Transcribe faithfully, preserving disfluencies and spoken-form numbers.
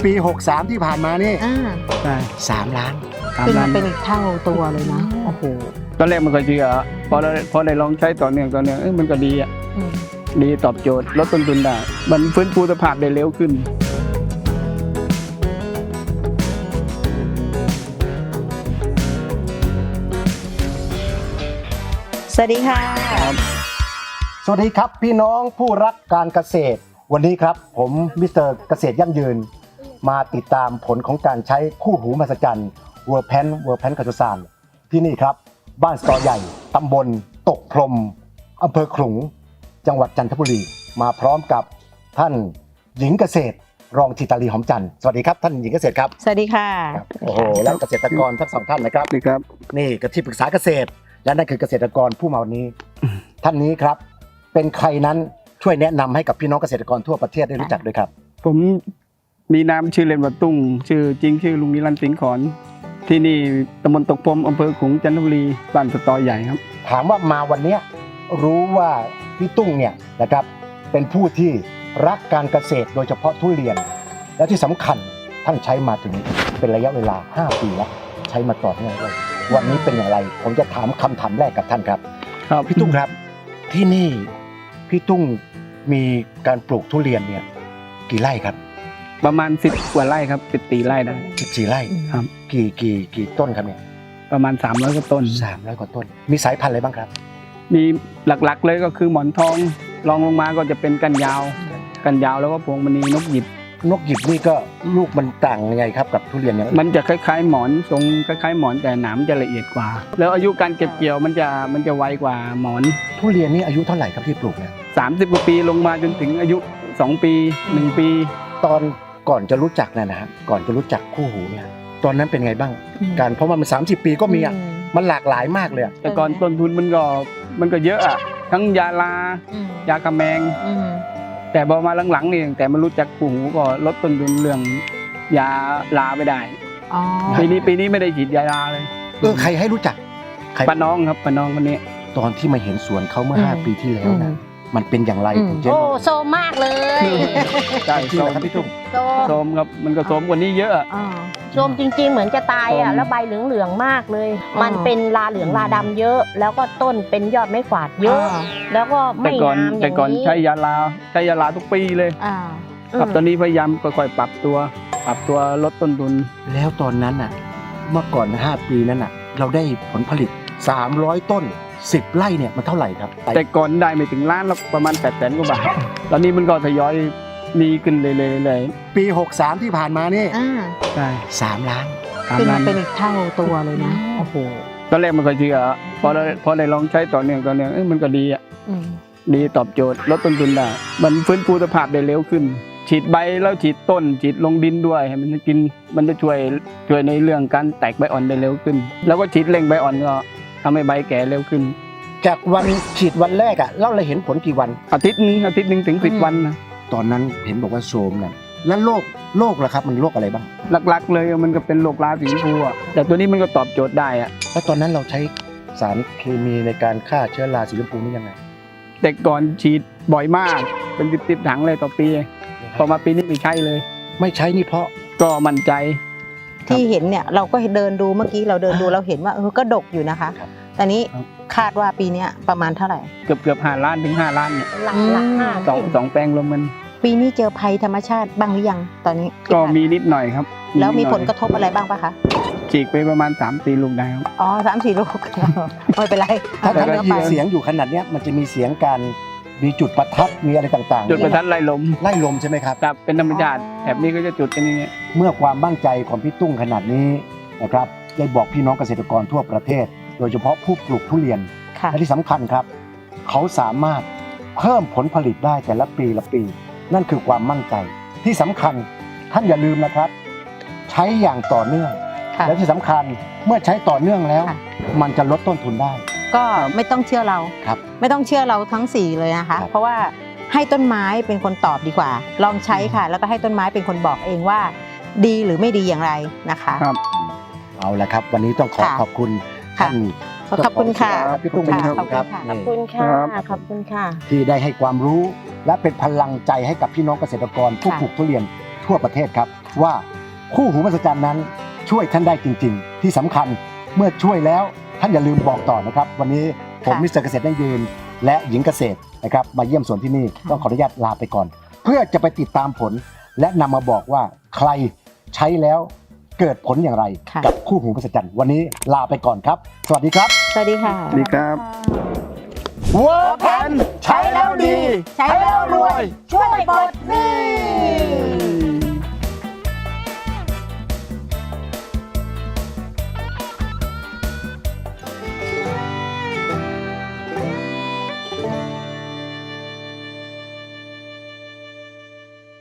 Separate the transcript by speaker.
Speaker 1: ปีหกสามที่ผ่านมานี่
Speaker 2: อ่า
Speaker 3: ใช่
Speaker 1: สามล้าน
Speaker 3: สาม
Speaker 2: ขึ้น
Speaker 3: ล้า
Speaker 2: มาน เป็นอีกเท่าตัวเลยนะโอ้โห
Speaker 3: ตอนแรกมันก็เชื่อพอได้พอได้ลองใช้ต่อเนื่องต่อเนื่องเอ้ยมันก็ดีอ่ะ
Speaker 2: อืม
Speaker 3: ดีตอบโจทย์ลดต้นทุนได้มันฟื้นฟูสภาพได้เร็วขึ้น
Speaker 2: สวัสดีค่ะ
Speaker 1: สวัสดีครับพี่น้องผู้รักการเกษตรวันนี้ครับผมมิสเตอร์เกษตรยั่งยืนมาติดตามผลของการใช้คู่หูมหัศจรรย์เวอร์แพนเวอร์แพนกัจจุสานที่นี่ครับบ้านสตอใหญ่ตำบลตกพรมอำเภอขลุงจังหวัดจันทบุรีมาพร้อมกับท่านหญิงเกษตรรองธิตาลีหอมจันทร์สวัสดีครับท่านหญิงเกษตรครับ
Speaker 2: สวัสดีค่ะ
Speaker 1: โอ้โหและเกษตรกรทั้งสองท่านนะครับ
Speaker 3: ดีครับ
Speaker 1: นี่ก็ที่ปรึกษาเกษตร และนั่นคือเกษตรกรผู้มาวันนี้ ท่านนี้ครับเป็นใครนั้นช่วยแนะนำให้กับพี่น้องเกษตรกรทั่วประเทศได้รู้จักด้วยครับ
Speaker 3: ผมมีนามชื่อเล่นว่าตุ้งชื่อจริงชื่อลุงนิรันดร์สิงห์ขอนที่นี่ตำบลตกพรมอำเภอขลุงจันทบุรีบ้านสตอใหญ่ครับ
Speaker 1: ถามว่ามาวันเนี้ยรู้ว่าพี่ตุ้งเนี่ยนะครับเป็นผู้ที่รักการเกษตรโดยเฉพาะทุเรียน และที่สำคัญท่านใช้มาถึงเป็นระยะเวลาห้าปีแล้วใช้มาต่อเนื่องเลยวันนี้เป็นอย่างไรผมจะถามคำถามแรกกับท่านครับ
Speaker 3: ครับ
Speaker 1: พี่ตุ้งครับที่นี่พี่ตุ้งมีการปลูกทุเรียนเนี่ยกี่ไร่ครับ
Speaker 3: ประมาณสิบกว่าไร่ครับสิบตีไร่ได้
Speaker 1: สิบสี่ไร่
Speaker 3: ครับ
Speaker 1: กี่กี่กี่ต้นครับเนี่ย
Speaker 3: ประมาณสามร้อยกว่าต้น
Speaker 1: สามร้อยกว่าต้นมีสายพันธุ์อะไรบ้างครับ
Speaker 3: มีหลักๆเลยก็คือหมอนทองรองลงมาก็จะเป็นกันยาว กันยาวแล้วก็พวงมณีนกหยิบ
Speaker 1: นกหยิบนี่ก็ลูกมันต่างยังไงครับกับทุเรียนอย่างอื่น
Speaker 3: มันจะคล้ายๆหมอนทรงคล้ายๆหมอนแต่หนามจะละเอียดกว่า แล้วอายุการเก็บเกี่ยวมันจะมันจะไวกว่าหมอน
Speaker 1: ทุเรียนนี่อายุเท่าไหร่ครับที่ปลูกเนี่ย
Speaker 3: สามสิบกว่าปีลงมาจนถึงอายุสองปีหนึ่งปี
Speaker 1: ตอนก่อนจะรู้จักเนี่ยนะฮะก่อนจะรู้จักคู่หูเนี่ยตอนนั้นเป็นไงบ้าง
Speaker 2: อืม
Speaker 1: การเพราะว่ามันสามสิบปีก็มีอ่ะ
Speaker 2: อืม
Speaker 1: มันหลากหลายมากเลยอะ
Speaker 3: แต่ก่อนต้นทุนมันก็มันก็เยอะอะทั้งยาลา
Speaker 2: อืม
Speaker 3: ยากระแมง
Speaker 2: อืม
Speaker 3: แต่พอมาหลังๆนี่ตั้งแต่มารู้จักคู่หูก็ลดต้นทุนเรื่องยาลาไปได้
Speaker 2: อ๋อ
Speaker 3: ปีนี้ปีนี้ไม่ได้ฉีดยาลาเลย
Speaker 1: เออใครให้รู้จักใคร
Speaker 3: ป้าน้องครับป้าน้องคนนี้
Speaker 1: ตอนที่มาเห็นสวนเขาเมื่อห้าปีที่แล้วนะมันเป็นอย่างไร
Speaker 2: อืม
Speaker 1: ถึงเจ๊
Speaker 4: โอ้โซมมากเลย
Speaker 3: ใช่
Speaker 1: จริง
Speaker 3: โซ
Speaker 1: เหรอ
Speaker 3: ม
Speaker 1: ครับพี่ตุ้ม
Speaker 4: โซม
Speaker 3: โซมครับมันก็โซมกว่านี้เยอะอะ
Speaker 2: อ่า
Speaker 4: โซมจริง ๆ เหมือนจะตายอ่ะ
Speaker 3: โซม
Speaker 4: แล้วใบเหลืองๆมากเลย
Speaker 2: อ๋อ
Speaker 4: มันเป็นลาเหลืองลาดำเยอะ แล้วก็ต้นเป็นยอดไม้ฝาดเยอะ
Speaker 2: อ่า
Speaker 4: แล้วก็
Speaker 3: แต่
Speaker 4: ไม่
Speaker 3: ก่อน
Speaker 4: งามอ
Speaker 3: แต่
Speaker 4: ย่าง
Speaker 3: ก่อน
Speaker 4: นี้
Speaker 3: ใช้ยาลาใช้ยาลาทุกปีเลย
Speaker 2: อ่า
Speaker 3: ครับตอนนี้พยายามค่อยๆปรับตัว ปรับตัวลดต้นทุน
Speaker 1: แล้วตอนนั้นน่ะเมื่อก่อนห้าปีนั้นน่ะเราได้ผลผลิตสามร้อยต้นสิบไร่เนี่ยมันเท่าไหร่ครับ
Speaker 3: แต่ก่อนได้ไม่ถึงล้านแล้วประมาณแปดแสนกว่าบาท ตอนนี้มันก็ทยอยมีขึ้นเลยเลยเลย
Speaker 1: ปีหกสามที่ผ่านมานี่
Speaker 2: อ่า
Speaker 3: ใช่
Speaker 1: สามล้าน
Speaker 3: ตาม
Speaker 2: ขึ้น
Speaker 3: นั้
Speaker 2: มาน เป็นอีกเท่าตัวเลยนะโอ้โห
Speaker 3: ตอนแรกมันก็เชื่อพอได้พอได้ลองใช้ต่อเนื่องต่อเนื่องเอ้ยมันก็ดีอ่ะ
Speaker 2: อืม
Speaker 3: ดีตอบโจทย์ลดต้นทุนได้มันฟื้นฟูสภาพได้เร็วขึ้น ฉีดใบแล้วฉีดต้นฉีดลงดินด้วยให้มันกินมันจะช่วยช่วยในเรื่องการแตกใบอ่อนได้เร็วขึ้น แล้วก็ฉีดเร่งใบอ่อนก็ทำให้ใบแก่เร็วขึ้น
Speaker 1: จากวันฉีดวันแรกอ่ะเราเลยเห็นผลกี่วัน
Speaker 3: อาทิตย์หนึงอาทิตย์หนึงถึงสิบวันนะ
Speaker 1: ตอนนั้นเห็นบอกว่าโซมน่ะแล้วโรคโรคล่ะครับมันโรคอะไรบ้าง
Speaker 3: หลักๆเลยมันก็เป็นโรคราสีชมพูอะแต่ตัวนี้มันก็ตอบโจทย์ได้อะ
Speaker 1: แล้วตอนนั้นเราใช้สารเคมีในการฆ่าเชื้อราสีชมพูนี่ยังไง
Speaker 3: แต่ก่อนฉีดบ่อยมากเป็นติดๆถังเลยต่อปีพอมาปีนี้ไม่ใช่เลย
Speaker 1: ไม่ใช้นี่เพราะ
Speaker 3: ก็มั่นใจ
Speaker 2: ที่เห็นเนี่ยเราก็เดินดูเมื่อกี้เราเดินดูเราเห็นว่าเออก็ดกอยู่นะคะ
Speaker 1: ครับ
Speaker 2: ตอนนี้
Speaker 3: ครับ
Speaker 2: คาดว่าปีเนี้ยประมาณเท่าไหร่
Speaker 3: เกือบเกือบห้าล้านถึงห้าล้านเนี่ย
Speaker 4: หลักหลักห้า
Speaker 3: สองสองแปลงรวมมัน
Speaker 2: ปีนี้เจอภัยธรรมชาติบ้างหรือยังตอนนี้
Speaker 3: ก็มีนิดหน่อยครับ
Speaker 2: แล้วมี
Speaker 3: นิดห
Speaker 2: ผ
Speaker 3: น่อย
Speaker 2: ลกระทบอะไรบ้างปะคะ
Speaker 3: ฉีกไปประมาณสามสี่ลูกได้ครับ
Speaker 2: อ๋อสามสี่ลูก ไม่เป็นไร
Speaker 1: ถ้า
Speaker 2: เอา
Speaker 1: ท่าน
Speaker 2: เนื้อ
Speaker 1: ได้ยิ
Speaker 2: ไป
Speaker 1: นเสียงอยู่ขนาดเนี้ยมันจะมีเสียงการมีจุดประทัดมีอะไรต่างๆ
Speaker 3: จุดประทัดไล่ลม
Speaker 1: ไล่ลมใช่ไหมครับ
Speaker 3: ครับเป็นธรรมชาติแถบนี้ก็จะจุดกันอย่างเงี้ย
Speaker 1: เมื่อความมั่นใจของพี่ตุ้งขนาดนี้นะครับได้บอกพี่น้องเกษตรกรทั่วประเทศ โดยเฉพาะผู้ปลูกทุเรียน
Speaker 2: ค่ะ
Speaker 1: และที่สำคัญครับ เขาสามารถเพิ่มผลผลิตได้แต่ละปีละปี นั่นคือความมั่นใจที่สำคัญท่านอย่าลืมนะครับ ใช้อย่างต่อเนื่อง
Speaker 2: ค่ะ
Speaker 1: และที่สำคัญเมื่อใช้ต่อเนื่องแล้ว
Speaker 2: ค่ะ
Speaker 1: มันจะลดต้นทุนได้
Speaker 2: ก็ไม่ต้องเชื่อเรา
Speaker 1: ครับ
Speaker 2: ไม่ต้องเชื่อเราทั้งสี่เลยนะคะ
Speaker 1: ครับ
Speaker 2: เพราะว่าให้ต้นไม้เป็นคนตอบดีกว่า ลองใช้ค่ะ แล้วก็ให้ต้นไม้เป็นคนบอกเองว่า ดีหรือไม่ดีอย่างไรนะคะ
Speaker 3: ครับ
Speaker 1: เอาละครับ วันนี้ต้องขอ
Speaker 2: ค่ะ
Speaker 1: ขอบคุณ
Speaker 2: ค่ะ
Speaker 1: ท่าน
Speaker 2: ขอบคุณค่ะ
Speaker 1: พี่ตุ้ง
Speaker 2: ค่ะ
Speaker 1: เป็น
Speaker 2: ขอบคุณ
Speaker 1: ครับ
Speaker 2: ค่ะ
Speaker 4: ขอบ
Speaker 1: นี่
Speaker 4: คุณค่ะ
Speaker 3: ครับ
Speaker 4: ขอบคุณค่ะ
Speaker 1: ที่ได้ให้ความรู้และเป็นพลังใจให้กับพี่น้องเกษตรกรผู้
Speaker 2: ค่ะ
Speaker 1: ปลูกทุเรียนทั่วประเทศครับว่าคู่หูมหัศจรรย์นั้นช่วยท่านได้จริง ๆ ที่สำคัญเมื่อช่วยแล้วท่านอย่าลืมบอกต่อนะครับวันนี้ผม
Speaker 2: ค่ะ
Speaker 1: มิสเตอร์เกษตรยั่งยืนและหญิงเกษตรนะครับมาเยี่ยมสวนที่นี่
Speaker 2: ค่ะ
Speaker 1: ต้องขออนุญาตลาไปก่อน เพื่อจะไปติดตามผล และนำมาบอกว่าใครใช้แล้วเกิดผลอย่างไร
Speaker 2: ค่ะ
Speaker 1: กับคู่หูมหัศจรรย์วันนี้ลาไปก่อนครับ สวัสดีครับ
Speaker 2: สวัสดีค่ะ
Speaker 3: สวัสดีครับ
Speaker 1: เวอร์แพนใช้แล้วดี
Speaker 2: ใช้แล้วรวย ช่วยปลดหนี้